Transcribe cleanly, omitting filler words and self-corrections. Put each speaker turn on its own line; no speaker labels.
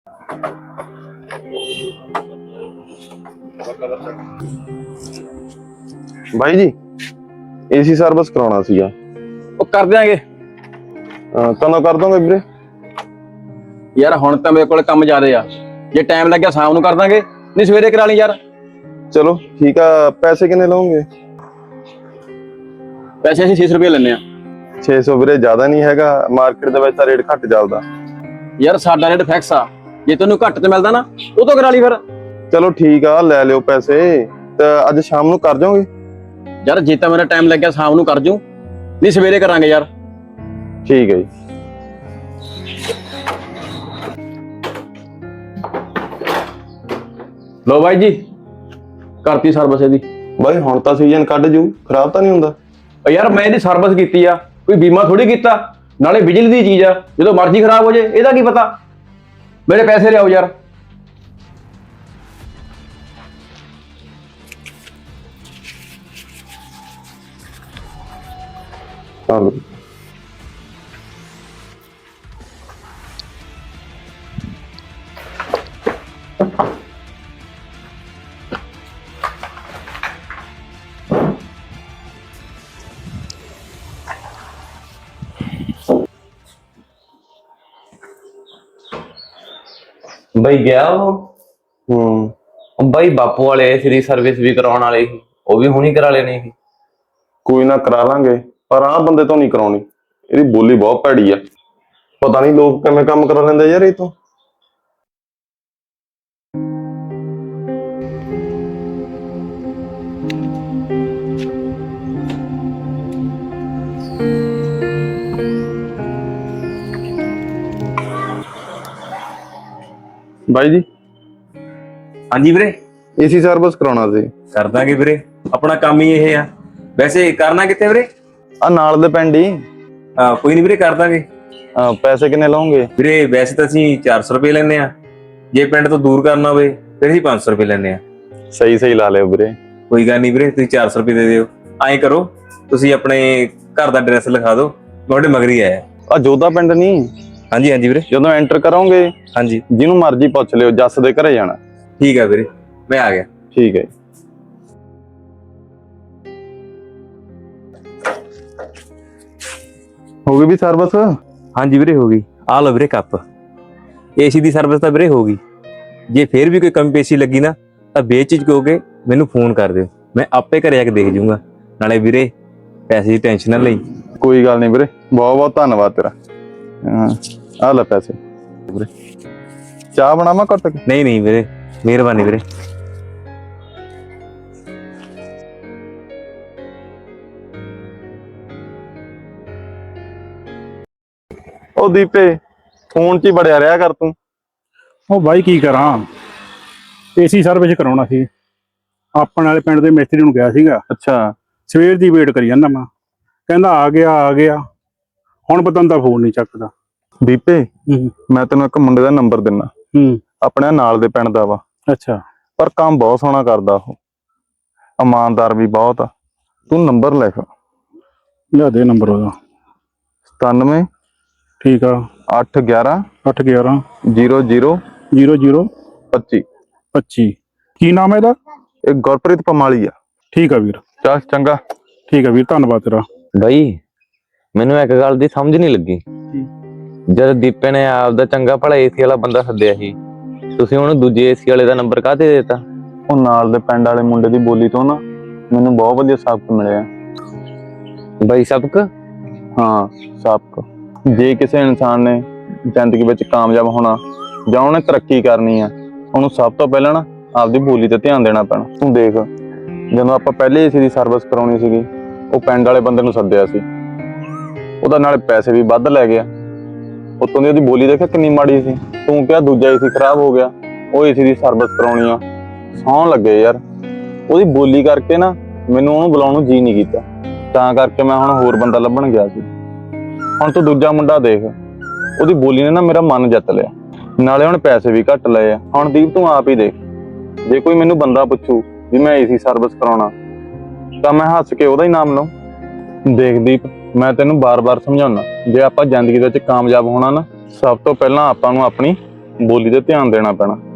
भाई जी AC service कराना सीगा।
ਉਹ ਕਰ ਦਿਆਂਗੇ
कदों कर दोगे वीरे?
ਯਾਰ। ਹੁਣ ਤਾਂ ਮੇਰੇ ਕੋਲ ਕੰਮ ਜ਼ਿਆਦੇ ਆ, ਜੇ ਟਾਈਮ ਲੱਗਿਆ ਸ਼ਾਮ ਨੂੰ ਕਰ ਦਾਂਗੇ, ਨਹੀਂ ਸਵੇਰੇ ਕਰਾ ਲਈ ਯਾਰ।
चलो ठीक है। पैसे कितने लोगे?
ਪੈਸੇ ਅਸੀਂ 600 ਰੁਪਏ ਲੈਂਦੇ ਆ।
600 ਵੀਰੇ ਜ਼ਿਆਦਾ ਨਹੀਂ ਹੈਗਾ, ਮਾਰਕੀਟ ਦੇ ਵਿੱਚ ਤਾਂ ਰੇਟ ਘੱਟ ਚੱਲਦਾ।
ਯਾਰ ਸਾਡਾ ਰੇਟ ਫਿਕਸ ਆ, ਜੇ ਤੈਨੂੰ ਘੱਟ ਤੇ ਮਿਲਦਾ ਨਾ ਉਹ ਤੋਂ ਕਰਾ ਲਈ ਫਿਰ।
ਚਲੋ ਠੀਕ ਆ, ਲੈ ਲਿਓ ਪੈਸੇ। ਤੇ ਅੱਜ ਸ਼ਾਮ ਨੂੰ ਕਰ ਜਾਓਗੇ?
ਯਾਰ ਜੇ ਤਾਂ ਮੇਰਾ ਟਾਈਮ ਲੱਗਿਆ ਸ਼ਾਮ ਨੂੰ ਕਰ ਜੂ, ਨਹੀਂ ਸਵੇਰੇ ਕਰਾਂਗੇ ਯਾਰ।
ਠੀਕ ਹੈ ਜੀ।
ਲੋ ਬਾਈ ਜੀ, ਕਰਤੀ ਸਰਵਿਸ ਇਹਦੀ।
ਬਾਈ ਹੁਣ ਤਾਂ ਸੀਜ਼ਨ ਕੱਢ ਜੂ, ਖਰਾਬ ਤਾਂ ਨਹੀਂ ਹੁੰਦਾ?
ਯਾਰ ਮੈਂ ਇਹਦੀ ਸਰਵਿਸ ਕੀਤੀ ਆ, ਕੋਈ ਬੀਮਾ ਥੋੜੀ ਕੀਤਾ। ਨਾਲੇ ਬਿਜਲੀ ਦੀ ਚੀਜ਼ ਆ, ਜਦੋਂ ਮਰਜ਼ੀ ਖਰਾਬ ਹੋ ਜੇ ਇਹਦਾ ਕੀ ਪਤਾ। ਮੇਰੇ ਪੈਸੇ ਲਿਆਓ ਯਾਰ।
ਚਲੋ
ਬਈ ਗਿਆ ਉਹ ਬਾਈ ਬਾਪੂ ਵਾਲੇ ਸ੍ਰੀ ਸਰਵਿਸ ਵੀ ਕਰਾਉਣ ਵਾਲੇ ਸੀ, ਉਹ ਵੀ ਹੁਣੀ ਕਰਾ ਲੈਣੀ ਸੀ।
ਕੋਈ ਨਾ ਕਰਾ ਲਾਂਗੇ, ਪਰ ਆਹ ਬੰਦੇ ਤੋਂ ਨਹੀਂ ਕਰਾਉਣੀ, ਇਹਦੀ ਬੋਲੀ ਬਹੁਤ ਭੈੜੀ ਆ। ਪਤਾ ਨਹੀਂ ਲੋਕ ਕਿਵੇਂ ਕੰਮ ਕਰਾ ਲੈਂਦੇ ਯਾਰ ਇਹ ਤੋਂ। ਬਾਈ ਜੀ
ਹਾਂਜੀ ਵੀਰੇ,
ਏਸੀ ਸਰਵਿਸ ਕਰਾਉਣਾ ਸੀ।
ਕਰ ਦਾਂਗੇ ਵੀਰੇ, ਆਪਣਾ ਕੰਮ ਹੀ ਇਹ ਆ। ਵੈਸੇ ਕਰਨਾ ਕਿੱਥੇ ਵੀਰੇ?
ਆ ਨਾਲ ਦੇ ਪਿੰਡ ਹੀ।
ਕੋਈ ਨਹੀਂ ਵੀਰੇ, ਕਰ ਦਾਂਗੇ।
ਪੈਸੇ ਕਿੰਨੇ ਲਓਗੇ?
ਵੀਰੇ ਵੈਸੇ ਤਾਂ ਅਸੀਂ 400 ਰੁਪਏ ਲੈਂਦੇ ਆ, ਜੇ ਪਿੰਡ ਤੋਂ ਦੂਰ ਕਰਨਾ ਹੋਵੇ ਫਿਰ ਅਸੀਂ 500 ਰੁਪਏ ਲੈਂਦੇ ਆ।
ਸਹੀ ਲਾ ਲਿਓ ਵੀਰੇ।
ਕੋਈ ਗੱਲ ਨਹੀਂ ਵੀਰੇ, ਤੁਸੀਂ 400 ਰੁਪਏ ਦੇ ਦਿਓ। ਐਂ ਕਰੋ, ਤੁਸੀਂ ਆਪਣੇ ਘਰ ਦਾ ਐਡਰੈਸ ਲਿਖਾ ਦਿਓ, ਤੁਹਾਡੇ ਮਗਰੀ ਆਇਆ।
ਆ ਜੋਧਾ ਪਿੰਡ ਨਹੀਂ?
ਹਾਂਜੀ ਹਾਂਜੀ ਵੀਰੇ।
ਜਦੋਂ ਐਂਟਰ ਕਰੋਗੇ
ਹਾਂਜੀ,
ਜਿਹਨੂੰ ਮਰਜ਼ੀ ਪੁੱਛ ਲਿਓ, ਜੱਸ ਦੇ ਘਰੇ ਜਾਣਾ।
ਠੀਕ ਆ ਵੀਰੇ, ਮੈਂ ਆ ਗਿਆ।
ਠੀਕ ਹੈ। ਹੋ ਗਈ ਵੀ ਸਰਵਿਸ?
ਹਾਂਜੀ ਵੀਰੇ ਹੋ ਗਈ। ਆ ਲਓ ਵੀਰੇ ਕੱਪ। ਏਸੀ ਦੀ ਸਰਵਿਸ ਤਾਂ ਵੀਰੇ ਹੋ ਗਈ। ਜੇ ਫੇਰ ਵੀ ਕੋਈ ਕਮੀ ਪੇਸ਼ੀ ਲੱਗੀ ਨਾ ਤਾਂ ਬੇਚਿਜਕ ਹੋ ਕੇ ਮੈਨੂੰ ਫੋਨ ਕਰ ਦਿਓ, ਮੈਂ ਆਪੇ ਘਰੇ ਆ ਕੇ ਦੇਖ ਜੂੰਗਾ। ਨਾਲੇ ਵੀਰੇ ਪੈਸੇ ਦੀ ਟੈਨਸ਼ਨ ਨਾ ਲਈ।
ਕੋਈ ਗੱਲ ਨਹੀਂ ਵੀਰੇ, ਬਹੁਤ ਬਹੁਤ ਧੰਨਵਾਦ ਤੇਰਾ। ਆ ਲੈ ਪੈਸੇ ਵੀਰੇ। ਚਾਹ ਬਣਾਵਾਂ ਘੱਟ ਕੇ?
ਨਹੀਂ ਨਹੀਂ ਵੀਰੇ, ਮਿਹਰਬਾਨੀ ਵੀਰੇ।
ਉਹ ਦੀਪੇ, ਫੋਨ 'ਚ ਹੀ ਬੜਿਆ ਰਿਹਾ ਕਰ ਤੂੰ।
ਉਹ ਬਾਈ ਕੀ ਕਰਾਂ, ਏਸੀ ਸਰਵਿਸ ਕਰਾਉਣਾ ਸੀ। ਆਪਣੇ ਵਾਲੇ ਪਿੰਡ ਦੇ ਮਿਸਤਰੀ ਨੂੰ ਗਿਆ ਸੀਗਾ।
ਅੱਛਾ।
ਸਵੇਰ ਦੀ ਵੇਟ ਕਰੀ ਜਾਂਦਾ ਮੈਂ, ਕਹਿੰਦਾ ਆ ਗਿਆ। ਹੁਣ ਪਤਾ ਦਾ ਫੋਨ ਨਹੀਂ ਚੱਕਦਾ।
ਦੀਪੇ ਮੈਂ ਤੈਨੂੰ ਇੱਕ ਮੁੰਡੇ ਦਾ ਨੰਬਰ ਦਿੰਨਾ, ਆਪਣੇ ਨਾਲ ਦੇ ਪਿੰਡ ਦਾ ਵਾ।
ਅੱਛਾ।
ਪਰ ਕੰਮ ਬਹੁਤ ਸੋਹਣਾ ਕਰਦਾ ਉਹ, ਇਮਾਨਦਾਰ ਵੀ ਬਹੁਤ ਆ। ਤੂੰ ਨੰਬਰ ਲਿਖ।
ਲਿਆ ਦੇ ਨੰਬਰ ਉਹਦਾ।
97।
ਠੀਕ ਆ।
811
811
00
00
25
25। ਕੀ ਨਾਮ ਹੈ ਇਹਦਾ?
ਇਹ ਗੁਰਪ੍ਰੀਤ ਪਮਾਲੀ ਆ।
ਠੀਕ ਆ ਵੀਰ।
ਚੱਲ ਚੰਗਾ।
ਠੀਕ ਆ ਵੀਰ, ਧੰਨਵਾਦ ਤੇਰਾ।
ਬਾਈ ਮੈਨੂੰ ਇੱਕ ਗੱਲ ਦੀ ਸਮਝ ਨਹੀਂ ਲੱਗੀ। ਜਦ ਦੀਪੇ ਨੇ ਆਪਦਾ ਚੰਗਾ ਭਲਾ ਏਸੀ ਵਾਲਾ ਬੰਦਾ ਸੱਦਿਆ ਸੀ, ਤੁਸੀਂ ਉਹਨੂੰ ਦੂਜੇ ਏਸੀ ਵਾਲੇ ਦਾ ਨੰਬਰ ਕਾਹਤੇ ਦੇਤਾ?
ਉਹ ਨਾਲ ਦੇ ਪਿੰਡ ਵਾਲੇ ਮੁੰਡੇ ਦੀ ਬੋਲੀ ਤੋਂ ਨਾ ਮੈਨੂੰ ਬਹੁਤ ਵਧੀਆ ਸਬਕ ਮਿਲਿਆ।
ਬਾਈ ਸਬਕ?
ਹਾਂ ਸਬਕ। ਜੇ ਕਿਸੇ ਇਨਸਾਨ ਨੇ ਜ਼ਿੰਦਗੀ ਵਿੱਚ ਕਾਮਯਾਬ ਹੋਣਾ ਜਾਂ ਉਹਨੇ ਤਰੱਕੀ ਕਰਨੀ ਆ, ਉਹਨੂੰ ਸਭ ਤੋਂ ਪਹਿਲਾਂ ਨਾ ਆਪਦੀ ਬੋਲੀ ਤੇ ਧਿਆਨ ਦੇਣਾ ਪੈਣਾ। ਤੂੰ ਦੇਖ, ਜਦੋਂ ਆਪਾਂ ਪਹਿਲੇ ਏਸੀ ਦੀ ਸਰਵਿਸ ਕਰਾਉਣੀ ਸੀਗੀ, ਉਹ ਪਿੰਡ ਵਾਲੇ ਬੰਦੇ ਨੂੰ ਸੱਦਿਆ ਸੀ, ਉਹਦਾ ਨਾਲੇ ਪੈਸੇ ਵੀ ਵੱਧ ਲੈ ਗਿਆ, ਉੱਤੋਂ ਦੀ ਉਹਦੀ ਬੋਲੀ ਦੇਖਿਆ ਕਿੰਨੀ ਮਾੜੀ ਸੀ। ਤੂੰ ਕਿਹਾ ਦੂਜਾ ਏਸੀ ਖਰਾਬ ਹੋ ਗਿਆ, ਉਹ ਏਸੀ ਦੀ ਸਰਵਿਸ ਕਰਾਉਣੀ ਆ। ਸੌਣ ਲੱਗੇ ਯਾਰ, ਉਹਦੀ ਬੋਲੀ ਕਰਕੇ ਨਾ ਮੈਨੂੰ ਉਹਨੂੰ ਬੁਲਾਉਣ ਨੂੰ ਜੀ ਨਹੀਂ ਕੀਤਾ, ਤਾਂ ਕਰਕੇ ਮੈਂ ਹੁਣ ਹੋਰ ਬੰਦਾ ਲੱਭਣ ਗਿਆ ਸੀ। ਹੁਣ ਤੂੰ ਦੂਜਾ ਮੁੰਡਾ ਦੇਖ, ਉਹਦੀ ਬੋਲੀ ਨੇ ਨਾ ਮੇਰਾ ਮਨ ਜਿੱਤ ਲਿਆ, ਨਾਲੇ ਹੁਣ ਪੈਸੇ ਵੀ ਘੱਟ ਲਏ ਆ। ਹੁਣ ਦੀਪ ਤੂੰ ਆਪ ਹੀ ਦੇਖ, ਜੇ ਕੋਈ ਮੈਨੂੰ ਬੰਦਾ ਪੁੱਛੂ ਵੀ ਮੈਂ ਏਸੀ ਸਰਵਿਸ ਕਰਾਉਣਾ, ਤਾਂ ਮੈਂ ਹੱਸ ਕੇ ਉਹਦਾ ਹੀ ਨਾਮ ਲਵਾਂ। ਦੇਖ ਦੀਪ, ਮੈਂ ਤੈਨੂੰ ਬਾਰ-ਬਾਰ ਸਮਝਾਉਣਾ, ਜੇ ਆਪਾਂ ਜ਼ਿੰਦਗੀ ਦੇ ਵਿੱਚ ਕਾਮਯਾਬ ਹੋਣਾ ਨਾ, ਸਭ ਤੋਂ ਪਹਿਲਾਂ ਆਪਾਂ ਨੂੰ ਆਪਣੀ ਬੋਲੀ ਤੇ ਧਿਆਨ ਦੇਣਾ ਪੈਣਾ।